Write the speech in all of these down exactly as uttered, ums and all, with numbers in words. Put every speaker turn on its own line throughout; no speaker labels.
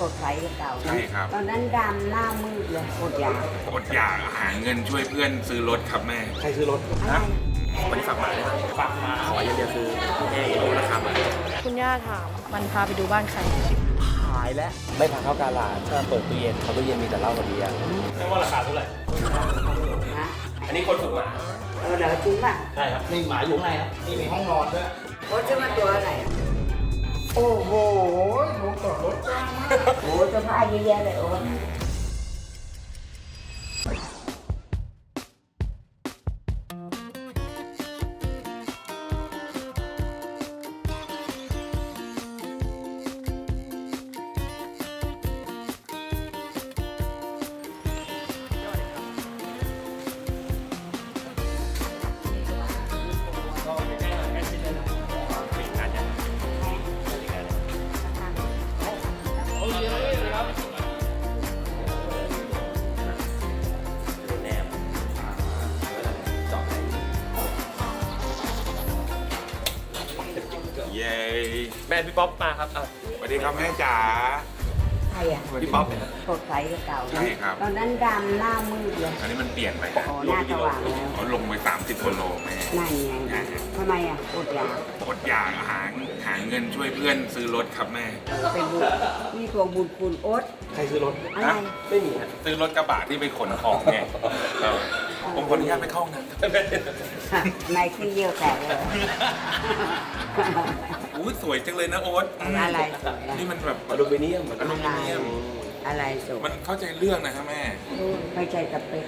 สดใสกว่าเก่า
ใช่ครับ
ตอนนั้นดำหน้ามืดเลยอดอยาก
อดอยากหาเงินช่วยเพื่อนซื้อรถครับแม่
ใครซื้อรถ
อะไร
วันนี้ฝากหมาเลยฝากหมาขออย่างเดียวคือแม่รู้ราคาหมา
คุณย่าถามมันพาไปดูบ้านใคร
หายแล้วไม่พาเข้ากาลาดถ้าเปิดตู้เย็นเขาตู้เย็นมีแต่เหล้ากับเบียร์ไม่ว่าราคาเท่าไหร่
นะ
อันนี้คนฝึกหมา
เออเดี๋ยวจริงป่ะ
ใช่ครับนี่หมาอยู่ข้างในครับนี่มีห้องนอนด้วย
โอ้จะมาตัวอะไรโอ้โหรถจอดรถจ้างมากโอ้จะพาเยอะแยะเลยโอ้
เย้
แม่พี่ป๊อปมาครับอ่ะ
สวัสดีครับแม่จ๋า
ใครอ่ะ
พี่ป๊อป
สดใสกว่าเก่า
ใช่ครับ
ตอนนั้นดำหน้ามืดเลย
อันนี้มันเปลี่ยนไปนะ
โอ้หน้าสว่างแล้ว
เขาลงไปสามสิบกิโลแม่
นั่นไงทำไมอ่ะอดอยาก
อดอยากหาหาเงินช่วยเพื่อนซื้อรถครับแม่
เป็นบุญนี่ทวงบุญคุณโอ๊ต
ใครซื้อรถ
อะไร
ไม่มีฮะ
ซื้อรถกระบะที่ไปขนของไงเออผมขออนุญาตไปเข้าห้องน้ำ
ในที่เยี่ยวแตกเลย
อุ้ยสวยจังเลยนะโอ๊ต
อะไรสวยอะ
นี่มันแบบ
อลูมิเนียม
อลูมิเนียม
อะไรสวย
มันเข้าใจเรื่องนะครับแม่
ไม่ใช่สเปค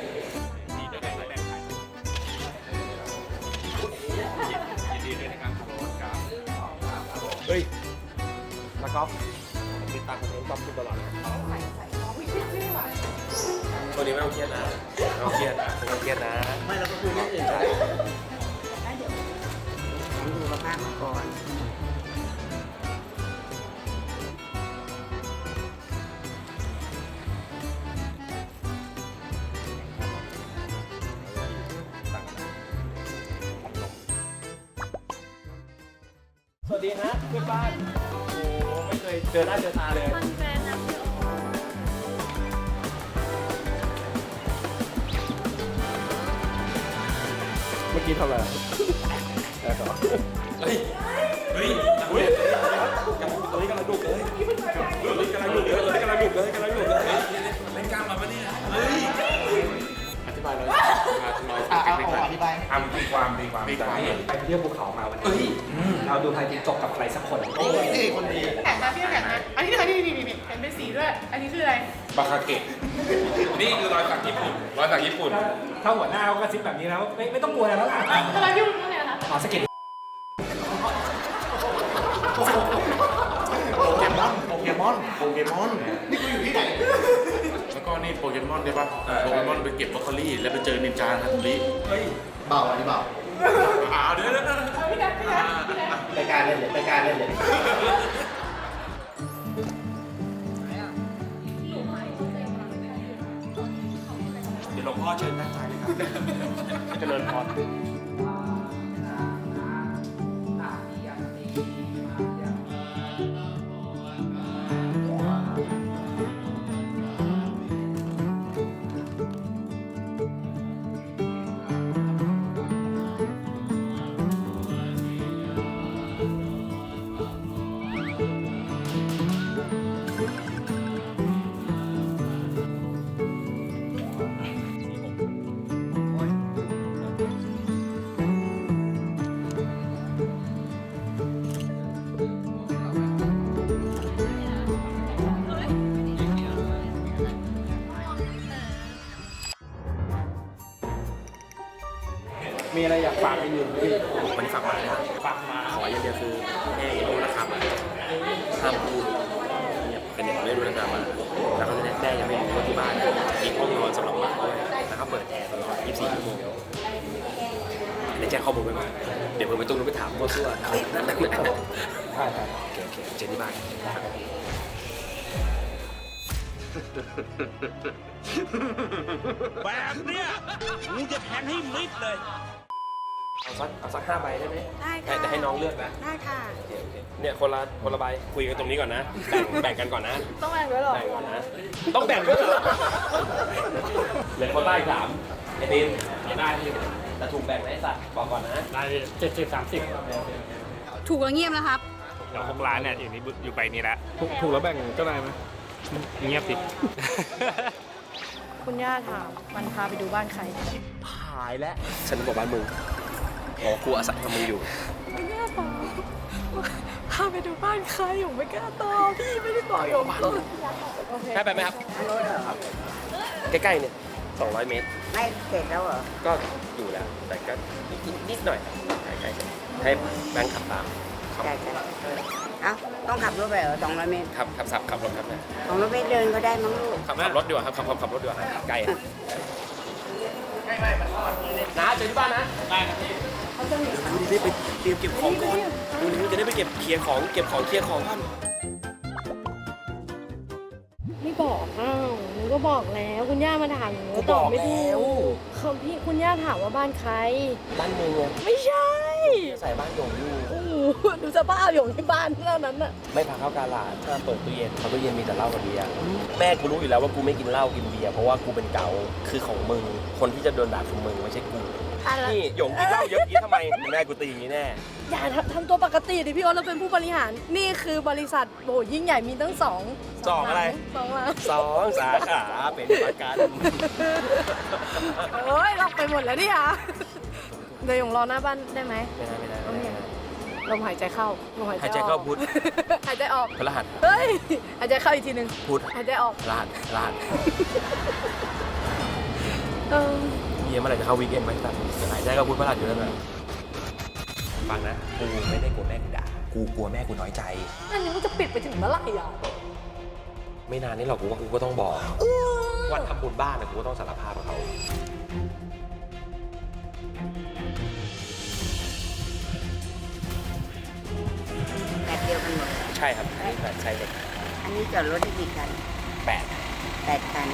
เฮ้ยแล้วก็ติดตามคอนเทนต์ป๊อปตลอดตัวนี้ไม่ต้องเครียดนะไม่ต้องเครียดไม่ต้องเครียดนะไม่เราก็คุยเรื่องอื่นใช่
ผมดูสภาพมาก่อน
สวัสดีฮะเพื่อนบ้านโอ้ไม่เคยเจอหน้าเจอตาเลยเมื่อกี้ทำอะไรแล้วก็เฮ้ยเฮ้ยเฮ้ยตัวนี้กำลังดุเลยตัวนี้กำลังดุเลยตัวนี้กำลังดุเลยกำลังดุเลยเล่นกล้ามมาปะเนี่ยเฮ้ยอธิบายเลยอธิบาย
อธิบาย
ทำตีความตีความ
ตีความไปเที่ยวภูเขามาวันนี้เราดูไทยติดจบกับใครสักคน
โอ้ยนี่คนดี
แข่งมาพี่แข่งมาอันนี้คือนี่นี่นี่เห็นเป็นสีด้วย อันนี้คืออะไร
บาคาเกะนี่คือรอยสักญี่ปุ่นรอยสักญี่ปุ่น
ถ้าหัวหน้าเขากระซิบแบบนี้แล้วไม่ไม่ต้องกลัวแล้วล่ะ
อะไรที่มันเนี่ยคะ
ขอสกิด
โปเกมอน โปเกมอน โปเกมอน นี่กูอยู่ที่ไหน
แล้วก็นี่โปเกมอนใช่ปะโปเกมอนไปเก็บบรอกโคลี่แล้วไปเจอนินจาฮัตตุริ
เฮ้ย
เบาอันนี้เบา
อ่าเดี๋ยวเดี๋ยวเดี๋ยว
เอาพี่นัทพี่นัทพี่นัท
ไปการเล่นเลยไปการเล่นเลย
เดี๋ยวหลวงพ่อเชิญนั่งใจเลยครับเจริญพร มีอะไรอยากฝากเป็นอยู่ไหมพี่วันนี้ฝากหมาเลยครับฝากหมาขออย่างเดียวคือแม่รู้ราคาหมาห้ามพูดเนี่ยเป็นเด็กไม่รู้ราคาหมาแล้วก็แม่ยังไม่รู้ว่าที่บ้านมีห้องนอนสำหรับหมาด้วยแล้วก็เปิดแอร์ตลอดยี่สิบสี่ชั่วโมงได้แจ้งข้อมูลไปไหมเดี๋ยวผมไปตุ้งไปถามมั่วซั่วอะไรนั่นแหละใช่ครับโอเคโอเคเจอที่บ้านแบบเนี้ยกูจะแทงให้มิดเลยสักเอาสักห้าใบได้ไหม
ได้ค่ะ
แต่ให้น้องเลือกนะ
ได้ค่ะ
เนี่ยคนละคนละใบคุยกันตรงนี้ก่อนนะ แบ่งแบ่งกันก่อนนะ
ต้องแบ่งด้วยเหรอ
แบ่งก่อนนะ ต้องแบ่งด้วยเหรอเหลือคนใต้สามไอ้ตีนได้ที่แต่ถูกแบ่งไหมไอ้สัตว์บอกก่อนนะ
ได้เจ็ดสิบสามสิบ
ถูกแล้วเงียบนะครับ
เดี๋ยวหกล้านเนี่ยอยู่นี่อยู่ไปนี่แหละ
ถูกแล้วแบ่งก็ได้ไหม
เงียบสิ
คุณย่าถามมันพาไปดูบ้านใคร
หายแล้วฉันบอกบ้านมึงอ๋อกูอาศัยกับมึงอยู่
คุณย่าถามพาไปดูบ้านใครผมไม่กล้าตอบพี่ไม่ได้บอกอยู่บ้าน
ได้ไปไหมครับ ใกล้ๆเนี่ยสองร้อยเมตร
ไม่เสร็จแล้วเหรอ
ก็อยู่แล้ว แต่ก็นิดนิดหน่อยใกล้ๆให้แบงค์ขับตามขับ
ใช่ใช่เอ้าต้องขับรถไปเหรอสองร้อยเมตร
ขับขับสับขับรถครับนะ
สองร้อยเมตรเดินก็ได้มั้งลูก
ขับขับรถดีกว่าครับขับขับขับรถดีกว่าใกล้อะน้าเจอที่บ้านนะได้ครับพี่เขาจะได้ไปเตรียมเก็บของก่อนดูนี่จะได้ไปเก็บเคลียร์ของเก็บของเคลียร์ของก่อน
ไม่บอกอ้าวหนูก็บอกแล้วคุณย่ามาถามหนูก็ตอบไม่ถูกคำพี่คุณย่าถามว่าบ้านใคร
บ้านมึงไง
ไม่ใช่
ใส่บ้านหยงอยู่
โอ้โหดูสภาพอยู่ที่บ้านเท่านั้นน่ะ
ไม่พาเข้ากาลาดถ้าเปิดตู้เย็นเขาตู้เย็นมีแต่เหล้ากับเบียร์แม่กูรู้อยู่แล้วว่ากูไม่กินเหล้ากินเบียร์เพราะว่ากูเป็นเกาคือของมึงคนที่จะโดนด่าคือมึงไม่ใช่กู
อะไร
นี่หยงกินเหล้าเยอะกี้ทำไมแม่กูตีอย่างนี้แน่
อย่าทำทำตัวปกติดิพี่โอ๊ตเราเป็นผู้บริหาร นี่คือบริษัทโอ้ยิ่งใหญ่มีตั้งสอง
สองอะไร
สองล้าน
สองสาขาเป็นประกัน
โอ้ยล็อกไปหมดแล้วเนี่ยเดี๋ยวหยงรอหน้าบ้านได้ไหม
ไม่ได้ไม่ได้ไม่ได้
ลมหายใจเข้าลมหายใจ
หายใจ
ออก
เข้าพุทธ
หายใจออก
พฤหัส
เฮ้ยหายใจเข้าอีกทีหนึ่ง
พุทธ
หายใจออก
พฤหัสพฤหัส
เออ
เยี่ยมเมื่อไหร่จะเข้าวีคเอนด์ไหมครับหายใจเข้าพุทธพฤหัสอยู่นั่นแหละฟังนะกูไม่ได้กลัวแม่กูด่ากูกลัวแม่กูน้อยใจ
อันนี้มันจะปิดไปถึงเมื่อไหร่อ่ะ
ไม่นานนี้หรอกกูว่ากูก็ต้องบอกว่าทำบุญบ้านนะกูก็ต้องสารภาพกับเขา
แบบเดียวกันหมด
ใช่ครับอันนี้แบบใช่เลย
อันนี้จอดรถที่กี่คัน
แปด
แปดคัน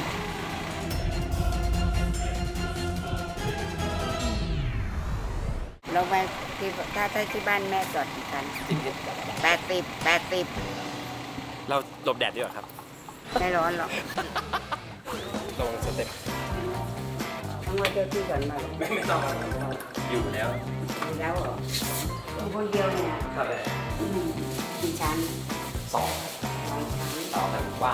เราไปที่ถ้าถ้าที่บ้านแม่จอดกี่คัน
จริง
แปดสิบแปดสิบ
ๆเราหลบแดดดีกว่าครับ
ไม่ร้อนหรอก
ระวังสเต็ป
ต้องมาเจ้าที่ก่อนมา
ไม่ไม่ต้องอยู่แล้ว
ดูแล้วเหรออยู่คนเดียวเนี่ย
ครับเลย
อืมกี่ชั้น
สอง
สองชั้น
สองแต่กว้าง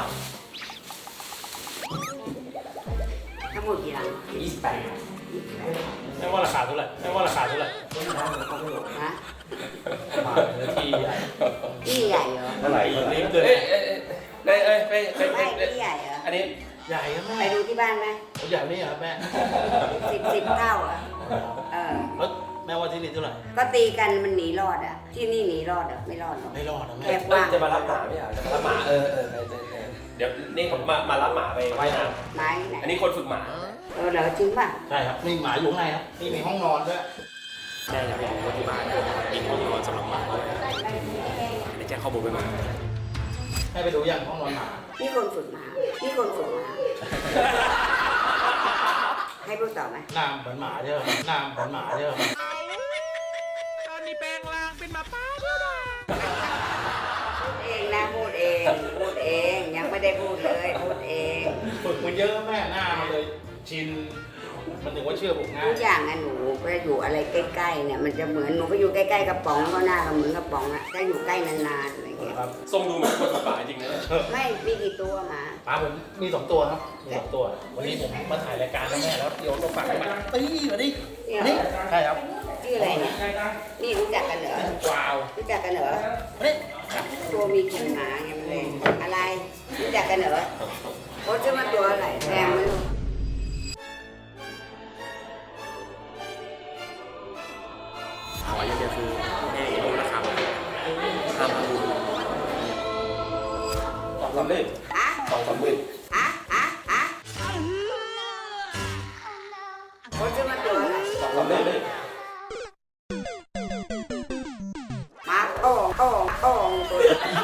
ทั้งหมดกี่หลัง
ยี่สิบแปด
ไม่ว่าราคาเท่าไหร่ไม่ว่าราคาเท่าไหร่
ฮะ
มาเนื้อที่ใหญ่
ที่ใหญ่เหรอ
เท่าไหร่
นี่เกิน
เอ้ยเอ้ยเอ้ยเอ้ยเอ้ยเอ้ย
ไม่
เอ้ย
ที่ใหญ่เหรอ
อันนี้
ใหญ่ครับ
ไป
แม่
ดูที่บ้านไหม
ใหญ่นี่ครับแม่
สิบสิบเท่าอ่ะเออ
แล้วแม่ว่าที่นี่เท่าไหร่
ก็ตีกันมันหนีรอดอ่ะ ที่นี่หนีรอดอ่ะไม่รอดหรอก
ไม่รอดนะแม่
แค่ก
เอ้ย
ว้าง
จะมารับหมาไม่เหรอจะมารับหมาเออเออเออเออเออเดี๋ยวนี่ผมมามารับหมาไปว่ายน้
ไม้ไหน
ำอันนี้คนฝึกหมา
เออเหรอจริงป่ะ
ใช่ครับนี่หมาอยู่ข้างในครับนี่มีห้องนอนด้วย
แม่อยากไปดูว่าที่บ้านมีห้องนอนสำหรับหมาด้วยได้แจ้งข้อมูลไปหมด
ให้ไปดูยังห้องนอนหมา
นี่คนฝึกหมานี่คนฝึกหมาให้พูดต่อไหม
หน้าเหมือนหมาใช่ไหมหน้าเหมือนหมาใช่ไหม
พูดเองนะพูดเองพูดเองยังไม่ได้พูดเลยพูดเอง
ฝึกมาเยอะแม่หน้ามันเลยชินมันถึงว่าเชื่อผมง่า
ทุ
ย
กอย่างอะหนูก็อยู่อะไรใกล้ๆเนี่ยมันจะเหมือนหนูก็อยู่ใกล้ๆกระป๋องก็หน้าก็เหมือนกระป๋องอะถ้าอยู่ใกล้นานๆอะไรเงี้ย
ครับ
ทรงดูเหมือนคนฝึกหมาจริงนะเนี่ย
ไม่มีกี่ตัวหมา
ปลาผมมีสองตัวครับมีสองตัว วันนี้ผมมาถ่ายรายการกับแม่แล้วเดี๋ยวเราฝากให้มาตีมาดิ
เนี่ย
นี่ใช่ครับ
ชื่ออะไรเนี่ยนี่รู้จักกันเหรอ
ว้าว
รู้จักกันเหรอ
เฮ้ย
ตัวมีขนหมาไงมันเลยอะไรรู้จักกันเหรอโอ้จะมาตัวอะไรแพงไหมลูก
ขออย่างเดียวคือแม่อย่ารู้นะครับห้ามพูดสองสามหมื่น
อะ
สองสามหมื่น
อะอะอะโอ้จะมาตัวอะไร
สองสามหมื่น
หมาโอ่งโอ่งโอ่งตัว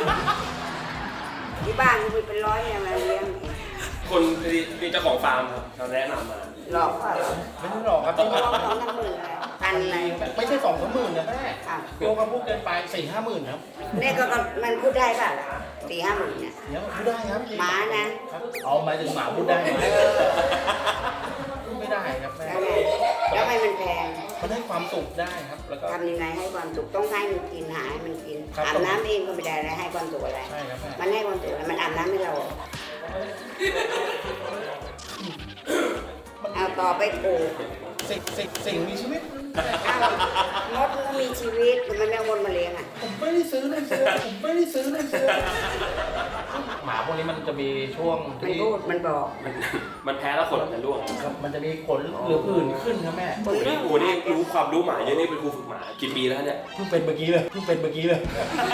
ที่บ้านมีเป็นร้อยเนี่ยมาเลี้ยง
คนที่เจ้าของฟาร์มครับเขาแนะนำมา
หลอกเปล่า
ไม่ต้องหลอกครับ
ตัวสองสามหมื่นเลยตานเลย
ไม่ใช่สองสามหมื่นนะแม่
อ่ะ
โยกก็พูดเกินไปสี่ห้าหมื่นครับ
เนี่ยก็มันพูดได้ป่ะสี่ห้าหมื่นเนี่ย
เดี๋ยวพูดได้ครับ
หมานะ
เอาหมายถึงหมาพูดได้ไหมพูดไม่ได้ครับแม่
แล้วไงแล้วให้มันแพง
มันให้ความสุขได้ครับ แล้วก็
ทำยังไงให้ความสุขต้องให้มันกินหาให้มันกิน
ครับ
อาบน้ำเองก็ไม่ได้แล้วให้ความสุขอะไร
ใช่ครับแม่
มันให้ความสุขอะไรมันอาบน้ำให้เราเอาต่อไปปลูก
สิ่งสิ่งสิ่งมีชีวิต
เอามดมันก็มีชีวิตมันไม่เอามดมาเลี้ยงอ่ะ
ผมไม่ได้ซื้อเลยเสื้อผมไม่ได้ซื้อเลยเสื้อหมาพวกนี้มันจะมีช่วง
มัน
ที่
พูดมันบอก
มันมันแพ้แล้วขนมันจะร่วง
ครับมันจะมีขนหรือผื่นขึ้นครับแม่
คน
โอ้
เรื่
นี่
อง
โอ้นี่รู้ความรู้หมาเยอะนี่เป็นครูฝึกหมากี่ปีแล้วเนี่ย
เพิ่งเป็นเมื่อกี้เลยเพิ่งเป็นเมื่อกี้เลย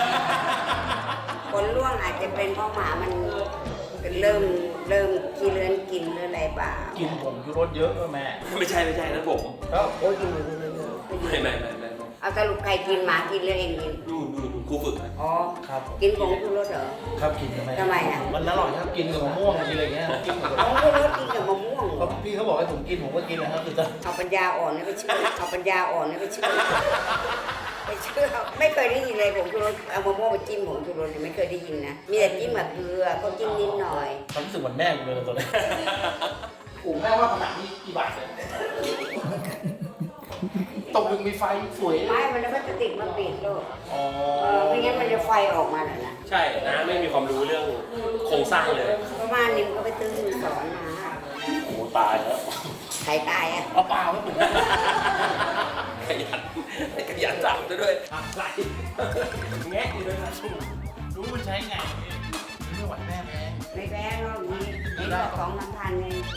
คนร่วงอาจจะเป็นเพราะหมามันเริ่มเริ่มขี้เลื้อนกินหรืออะไรเปล่า
กินผงชูรสเยอะแม่
ไม่ใช่ไม่ใช่นั่นผม
แล้ว
โอ้ยกินหมูเยอะๆ
ไม่ไม่ไม่ไม่
เอาสรุปใครกินหมากินหรือเองกิน
นู่นนู่นครูฝึก
อ๋อ
ครับ
กินผงชูรสเหรอ
ครับกินทำไม
ทำไมอ่ะ
มันอร่อยครับกินกับมะม่วงกินอะไรเงี้ยกินกับ
ผงชูรสกินกับมะม่วง
ก็พี่เขาบอกให้ผมกินผมก็กินนะครับคือจะ
เอาปัญญาอ่อนนี่ไปเชื่อเอาปัญญาอ่อนนี่ไปเชื่อไปเชื่อไม่เคยได้ยินเลยผงชูรสเอามะม่วงไปจิ้มผงชูรสไม่เคยได้ยินนะมีแต่จิ้มกับเกลือก็จิ้มนิดหน่อย
ความรู้สึกเหมือนแม่ผมเลยตัวนี้ผมแม่ว่าขนาดนี้กี่บาทเลยตกดึงมีไฟสวย
ไม้มันแล้วก็จะติดมาปิดโลก
อ๋อ
เออไม่งั้นมันจะไฟออกมาแล้วนะ
ใช่นะไม่มีความรู้เรื่องโครงสร้างเลย
ประมาณนี้มันก็ไปตื้อสอนมา
โอ้ตายแล้ว
ใครตายอ่ะ
เอาเปล่าครับผม
ขยันขยันจับด้วยอะไรแงะอยู่ด้วยนะ
รู้มันใช้ไงไม่ไหวแม่แม่
ไม่แพ้หรอกนี่นี่ก็ของน้ำพันเอง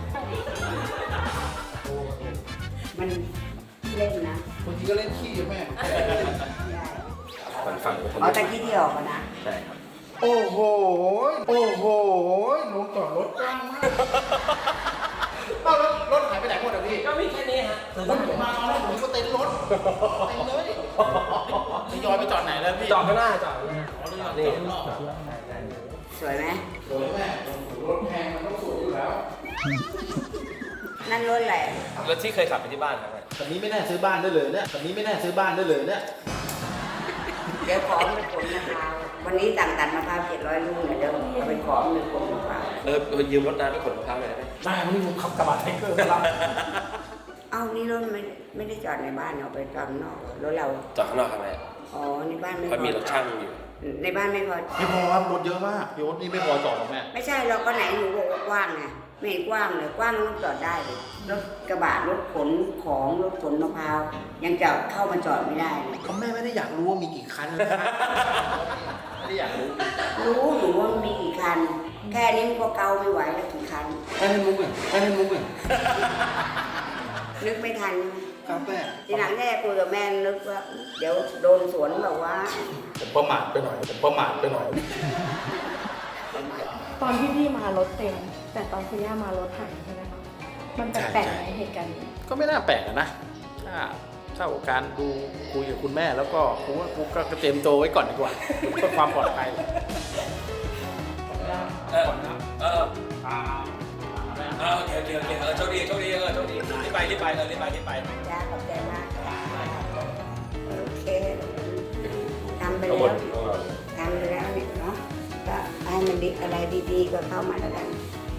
มันเล่นนะ
บางทีก็เล่นขี้กับแม่
ได้
มันฝั่ง
เอาแต่ที่ที่ออกอะนะ
ใช่ครับ
โอ้โห โอ้โหลงจอดรถกว้างมาก
เอารถรถหายไปไหนหมดอ่ะพี่
ก็มีแค่นี้ฮะ
ผมมาตอนแรกผมก็เต็นรถเต็นเลยทยอยไปจอดไหนแล้วพี่
จอดข้างหน้าจอด
นี่
สวยไหม
สวยแม่รถแพงมันต้องสวยอยู่แล้ว
นั่นรถอะไร
รถที่เคยขับไปที่บ้านครับ
แบบนี้ไม่น่าซื้อบ้านได้เลยเนี่ยแบบนี้ไม่น่าซื้อบ้านได้เลยเนี่ย
เดี๋ยวขอไปขนมะพร้าววันนี้สั่งตัดมะพร้าวเจ็ดร้อยลูกเนี่ยเดี๋ยวเอาไปขอไปขนมะพร้าว
เออยืมรถน้ำไปขนมะพร้าวหน่อยได้ไหม
ได้วันนี้ผมขับกระบะไทเกอร์มารับ
เอ้านี่รถไม่ไม่ได้จอดในบ้านเอาไปจอดข้างนอกรถเรา
จอดข้างนอกทำไม
อ๋อในบ้านไม่
เพราะมีรถช่างอยู่
ในบ้านไม่พอ
ไม่พอครับรถเยอะมากพี่โอ๊ตนี่ไม่พอจอดหรอกแม่
ไม่ใช่เราก็ไหนหนูบอกว่ากว้างไงไม่เห็นกว้างเลยกว้างต้องจอดได้เลยรถกระบะรถขนของรถขนมะพร้าวยังจะเข้ามาจอดไม่ได้เลย
เขาแม่ไม่ได้อยากรู้ว่ามีกี่คันนะครับไม่ได้อยากรู้
รู้หนูว่ามันมีกี่คัน แค่นี้มันก็เกาไม่ไหวแล้วกี่คัน
ไม่ให้มุกเลยไม่ให้มุกเลย
นึกไม่ทัน
ครับแม่
ทีหลังแม่คุยกับแม่นึกว่าเดี๋ยวโดนสวนแบบว่า
ผมประมาทไปหน่อยผมประมาทไปหน่อย
ตอนที่พี่มารถเต็ม แต่ตอนคุณย่ามารถหายใช่ไหมคะมันแปลกๆไหมเหตุการณ์นี้
ก็ไม่น่าแปลกอะนะถ้าถ้ากับการดูคุยกับคุณแม่แล้วก็กูว่ากูก็เตรียมตัวไว้ก่อนดีกว่าเพื่อความปลอดภัย
เออเออเออโอเคโอเคโอเคเออโชคดีโชคดีเออโชคดีรีบไปรีบไปเออรีบไปรีบไป
จ้าขอบใจมากค่ะโอเคทำไป
ทั้งหม
แล้
ด
วทำไปแล้วเนี่ยเนาะก็ให้มันดีอะไรดีๆก็เข้ามาแล้วกัน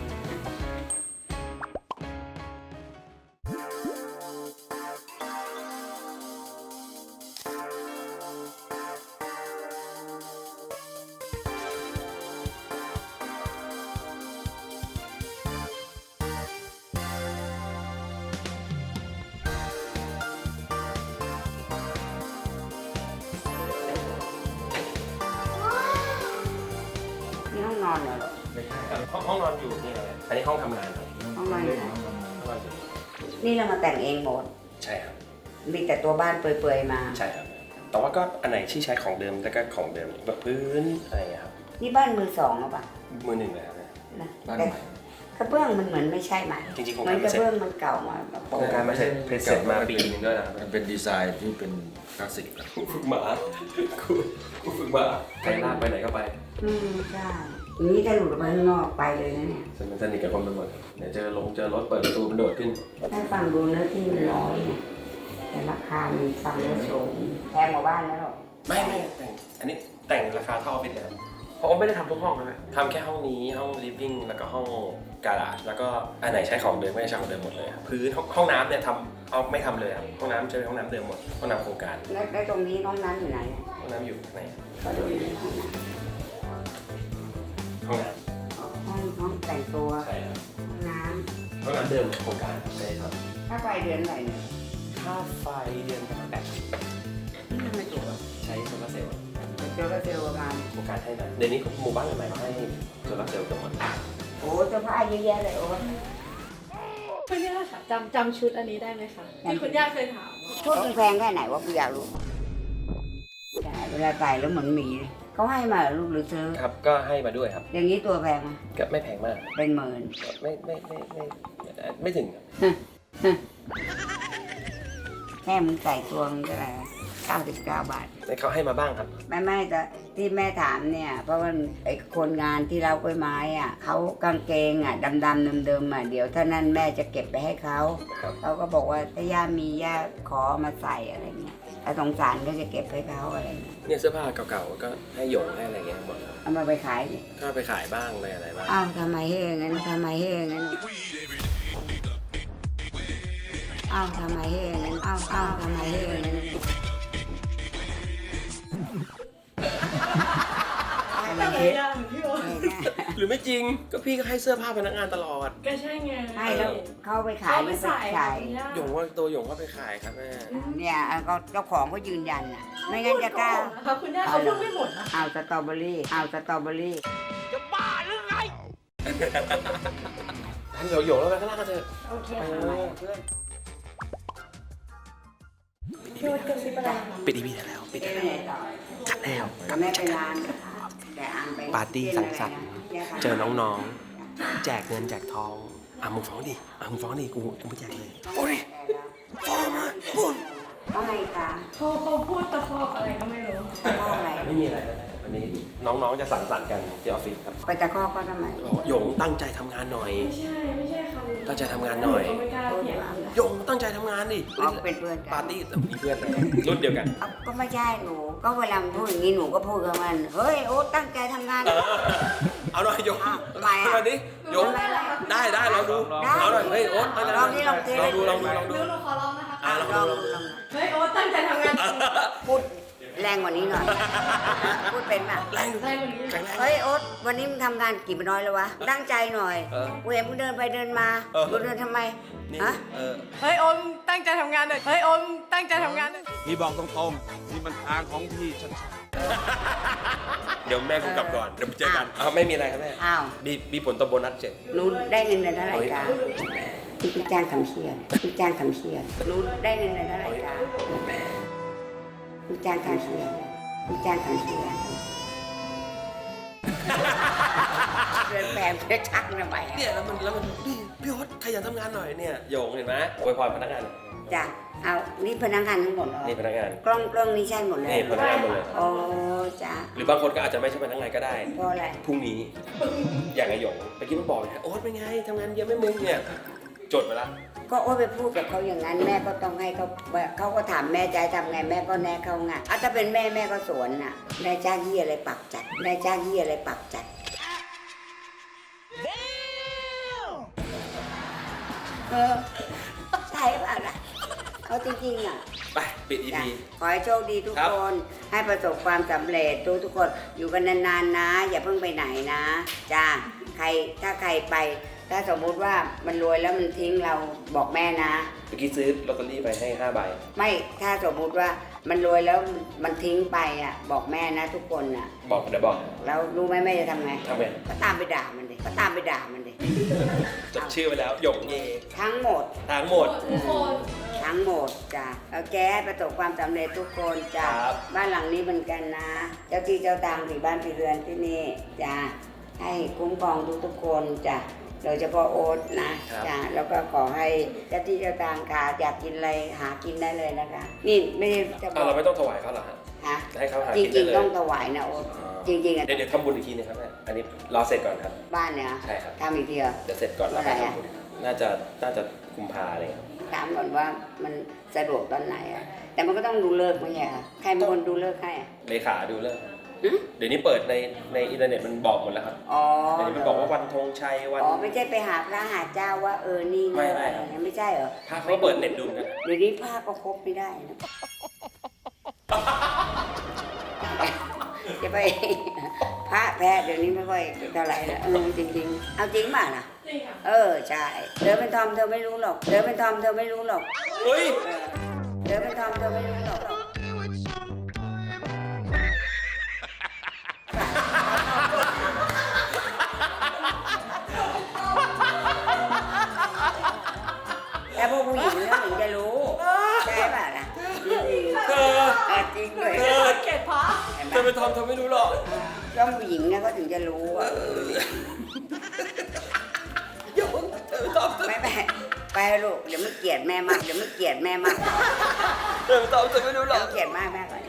นี่ห้องนอนเหรอ
ไม่ใช่ครับห้องห้องนอนอยู่นี่อะไรอันนี้ห้องทำงานครับ
ห้องนอนอยู่ไหน
ห้องนอนอยู่
นี่เรามาแต่งเองหมด
ใช่ครับ
มีแต่ตัวบ้านเปื่อยๆมา
ใช่ครับ แต่ว่าก็อันไหนที่ใช้ของเดิมแล้วก็ของเดิมแบบพื้นอะไรอย่างเงี้ยครับ
นี่บ้านมือสองหรือเปล่า
มือหนึ่งเลยครับ
นะ
บ้าน
แต่
ใหม่
กระเบื้องมันเหมือนไม่ใช่ใหม่
จริงๆโครง
เหมื
กา
อ
ร
นก
ไม่
ระ
เสร็จ
เบื้องมันเก่ามาแบบ
โครงการไม่เสร็จเสร็จมาปีนึงด้วยนะครับ
มันเป็นดีไซน์ที่เป็นคลาสสิก
ครูฝึกหมาครูครูฝึกหมาใครลากไปไหนก็ไป
อืมใช่อย่างนี้ถ้าหลุดออกมาข้างนอกไปเลยนะเนี่ย
มันสนิทกับคนไปหมดเดี๋ยวเจอลงเจอรถเปิดประตูมันโดดขึ้น
ถ้าฟังดูเนื้อที่มันน้อยเนี่ยแต่ราคามันฟังแล้วสูงแพงกว่าบ้านแล้วหรอก
ไม่ไม่แต่งอันนี้แต่งราคาเท่าออฟฟิศเลยครับ
เพราะว่าไม่ได้ทำทุกห้องนะ
ทำแค่ห้องนี้ห้อง living แล้วก็ห้องการาจแล้วก็อันไหนใช้ของเดิมไม่ใช้ของเดิมหมดเลยครับพื้นห้องห้องน้ำเนี่ยทำเอาไม่ทำเลยครับห้องน้ำใช้ห้องน้ำเดิมหมดห้องน้ำโครงการ
แล้วแล้วตรงนี้น้องน้ำอยู่ไหน
ห้องน้ำอยู่ไหน
ก็ดูในห้องน้
ห้องน้
ำห้องห้องแต่งตัว
ำใช่ครับ
ห้องน้
ห้องน้ำเดิมโครงการไม่ได้ท
ำค่าไฟเดือนไหนเนี่ย
ำค่าไฟเดือนประมาณแปดสิบ
ทำไมถูกอ่ะ
ใช้โซลาร์เซลล์
เจอก็เจอประมาณ
โครงการให้มาเดี๋ยวนี้หมู่บ้านใหม่ๆเขาให้โซลาร์เซลล์กันหมด
โอ้เสื้อผ้าเยอะแยะเลยโอ้
คุณย่าค่ะจำจำชุดอันนี้ได้ไหมคะที่คุณย่าเคยถาม
ชุดมันแพงแค่ไหนวะกูอยากรู้ใช่เวลาใส่แล้วเหมือนหมีเลยเขาให้มาเหรอลูกหรือซื้อ
ครับก็ให้มาด้วยครับ
อย่างนี้ตัวแพงไหม
ก็ไม่แพงมาก
เป็นหมื่น
ไม่ไม่ไม่ไม่ไม่ถึง
แม่มึงใส่ตัวมึงก็อะไรเก้าสิบเก้าบาท
เขาให้มาบ้างครับ
ไม่ไม่แต่ที่แม่ถามเนี่ย เพราะว่าไอ้คนงานที่เรากล้วยไม้อ่ะเขากางเกงอ่ะดำๆเดิมๆอ่ะเดี๋ยวถ้านั่นแม่จะเก็บไปให้เขา
ครับ
เขาก็บอกว่าถ้าย่ามีย่าขอมาใส่อะไรเงี้ยถ้าสงสารก็จะเก็บให้เขาอะไรเงี้ย
เนี่ยเสื้อผ้าเก่าๆก็ให้หยงให้อะไรเงี้ยหมดครับ
เอามาไปขายดิ
ก็ไปขายบ้างอะไรอะไรบ้าง
อ้าวทำไมให้อย่างนั้นทำไมให้อย่างนั้นอ้าวทำไมให้อย่างนั้นอ้าวอ้าวทำไมให้อย่างนั้นให้มันคิด
หรือไม่จริงก็พี่ก็ให้เสื้อผ้าพนักงานตลอด
ก็ใช่ไง
ให้แล้วเขาไปขาย
เขา
ห
ไป
รือไป
ใส่
ขาย
คุณย่า
หยงว่าตัวหยงก็ไปขายครับแม่
เนี่ยก็เจ้าของก็ยืนยันอ่ะ ไม่งั้นจะกล้า
เขาคุณย่าเขาพูดไม่หมดนะ
เอาสตรอเบอรี่เอาสตรอเบอรี่
ทำหยงหยงแล้วไปข้างล่างกันเถอะ
โอเค
ไป
ค่ะ
เพื่อน
พี่วัดกระซิบอะไรคะ
ปิดอีพีแล้วปิด
เจ๊
แล้ว
ไปไหนต่อ
จัดแล้ว
แม่ไปร้านแต่อังไป
ปาร์ตี้สังสรรค์เจอน้องๆ แจกเงินแจกทองอ่ะมึงฟ้องดิอ่ะมึงฟ้องดิกูกูไม่แจกเลยโอ้ยฟ้องมาพูด
เพราะไงคะ
เขาเขาพูดตะคอกอะไรก็ไม่รู้
เพราะอะไร
ไม่มีอะไรนะวันนี้น้องๆจะสังสรรค์กันที่ออฟฟิศครับ
ไปตะคอกก็ทำไม
บอกว่าหยงตั้งใจทำงานหน่อย
ไม่ใช่ไม่ใช่คำ
ตั้งใจทำงานหน่อย
เขาไม่กล้าเถียง
หยงตั้งใจทำงานดิ
เอาเป็นเพื่อนกัน
ปาร์ตี้แต่มีเพื่อนนะรุ่นเดียวกัน
เอาก็ไม่ใช่หนู ก็เวลามันพูดอย่างนี้หนูก็พูดกับมัน เฮ้ยโอ๊ตตั้งใจทำงาน
เออเอาหน่อยหยง
อ้าวทำไมอ่ะ
มาดิหยงได้ได้ลองดู
ได้
เอาหน่อยเฮ้ยโอ๊ตตั้งใจ
ลองนี่ลองสิ
ลองดูลองดูลองดู
เดี๋ยวหนูขอร้องนะคะ
อ่ะลอง
ล
ดู
อง
ลองดู
ลอง
เฮ้ยโอ๊ตตั้งใจทำงานจริง
พูดแรงกว่านี้หน่อย พูดเป็นป่ะ
แรง
อะไรแบบนี้
แข็งแรง
เฮ้ยโอ๊ตวันนี้มึงทำงานกี่น้อยแล้ววะ ตั้งใจหน่อย
เออ
กูเห็นมึงเดินไปเดินมา
เออ
กูเดินทำไม
นี่
ฮะ
เออ
เฮ้ยโอ๊ตตั้งใจทำงานหน่อยเฮ้ยโอ๊ตตั้งใจทำงานหน่อย
พี่บอกตรงๆนี่มันทางของพี่ชัด
เดี๋ยวแม่กูกลับก่อน เดี๋ยวไปเจอกันอ้าวไม่มีอะไรครับแม่
อ้าว
มีมีผลต่อโบนัสเจ็ด
หนูได้เงินเดือนเท่าไหร่คะที่พี่จ้างทำเชียร์พี่จ้างทำเชียร์หนูได้เงินเดือนเท่าไหร่คะพี่จ้างทำเชียร์พี่จ้างทำเชียร์เดินแบบเพื่อชักทำไม
เนี่ยแล้วมันแล้วมันพี่พี่โอ๊ตขยันทำงานหน่อยเนี่ยโยงเห็นไหมอวยพรพนักงาน
จ้ะเอานี่พนักงานทั้งหมดเหรอ
นี่พนักงาน
กล้องกล้องนี้ใช่หมดเลย
นี่พนักงานหมดเลย
โอ้จ้ะ
หรือบางคนก็อาจจะไม่ใช่พนักงานก็ได้
เพราะอะไร
พรุ่งนี้ อย่างไอหยงเมื่อกี้มันบอกนะโอ๊ตเป็นไงทำงานเยอะไหม่มึงเนี่ยจดไปละ
ก็โอ้ไปพูดกับเขาอย่างนั้นแม่ก็ต้องให้เขาเขาก็ถามแม่จะให้ทำไงแม่ก็แนะเขาไงอ่ะถ้าเป็นแม่แม่ก็สวนน่ะนายจ้างยี่อะไรปักจัดนายจ้างยี่อะไรปักจัดเออใช่เปล่าล่ะเขาจริงๆอ่ะ
ไปปิดอี
จ้ะ
พี
ขอให้โชคดีทุก
ครับ
คนให้ประสบความสำเร็จทุกทุกคนอยู่กันนานๆนะ อย่าเพิ่งไปไหนนะจ้าใครถ้าใครไป ถ้าสมมุติว่ามันรวยแล้วมันทิ้งเราบอกแม่นะ
เมื่อกี้ซื้อลอตเตอรี่ไปให้ห้าใบ
ไม่ถ้าสมมุติว่ามันรวยแล้วมันทิ้งไปอ่ะบอกแม่นะทุกคนอ่ะ
บอกเดี๋ยวบอก
แล้วรู้ไหมแม่จะทำไง
ทำไง
ก็ตามไปด่ามันดิก็ตามไปด่ามันดิ
จดชื่อไปแล้วหยงเย
ทั้งหมด
ทั้งหมด
ทุกคน
ทั้งหมดจ้ะแล้วแกให้ประสบความสำเร็จทุกคนจ้ะ
ครับ
บ้านหลังนี้เหมือนกันนะ เจ้าที่เจ้าทางที่บ้านที่เรือนที่นี่จ้ะให้คุ้มครองทุกๆคนจ้ะโดยเฉพาะโอ๊ตนะจ้ะแล้วก็ขอให้เจ้าที่เจ้าทางค่ะอยากกินอะไรหากินได้เลยนะคะ นี่ไม่ได้จะบ
อ่ะ
อก
เราไม่ต้องถวายเขาเหรอฮะ
ฮะ
ให้เขาหา
จ
กินได้
ริง
เล
ๆ
ย
ต้องถวายนะโอ๊ตจริงๆอ่ะ
เดี๋ยวเดี๋ยวทำบุญอีกทีนึงครับแม่อันนี้รอเสร็จก่อนครับ
บ้านเนี่ย
ใช่ครับ
ทำอีกทีเหรอ
เดี๋ยวเสร็จก่อนแล้ว
เมื่อไหร่
ค่อย
อะ
ทำบุญน่าจะน่าจะกุมภาอะไรครับ
ถามก่อนว่ามันสะดวกตอนไหนอะแต่มันก็ต้องดูเลิกษ์ไม่ใช่เหรอใครเป็นคนดูเลิกษ์ให้อะ
เลขาดูเลิก
หึ
เดี๋ยวนี้เปิดในในอินเทอร์เน็ตมันบอกหมดแล้วครับ
อ๋อ
เดี๋ยวนี้มันบอกว่าวันธงชัยวัน
อ๋อไม่ใช่ไปหาพระหาเจ้าว่าเออนี่นะ
ไม่ไม่
อะไรอย่างเงี้ยไม่ใช่เหรอ
ถ้าเขาเปิดเน็ตดูนะ
เดี๋ยวนี้พระก็ครบไม่ได้นะ จะไป พระแพทย์เดี๋ยวนี้ไม่ค่อยเท่าไหร่แล้วเออจริงๆ เอาจริงป่ะนะเออใช่เธอเป็นทอมเธอไม่รู้หรอกเธอเป็นทอมเธอไม่รู้หรอก
เฮ้ย
เออเธอเป็นทอมเธอไม่รู้หรอกแต่พวกผู้หญิงเนี่ยถึงจะรู้ใช่ป่ะนะจริงๆ
เธอ
เออจริงด้วย
เธอ
เกลียดพระ
เห็นไหม
เธอเป็นทอมเธอไม่รู้หรอก
ต้องผู้หญิงเนี่ยก็ถึงจะรู้ว่าเออ
โยงเธอเป็นทอมเธอ
ไม่ไม่ไปลูกเดี๋ยวไม่เกลียดแม่มากเดี๋ยวไม่เกลียดแม่มาก
เธอเป็นทอมเธอไม่รู้หร
เดี๋ย
อ
ว
ก
เกลียดมากแม่ก่อน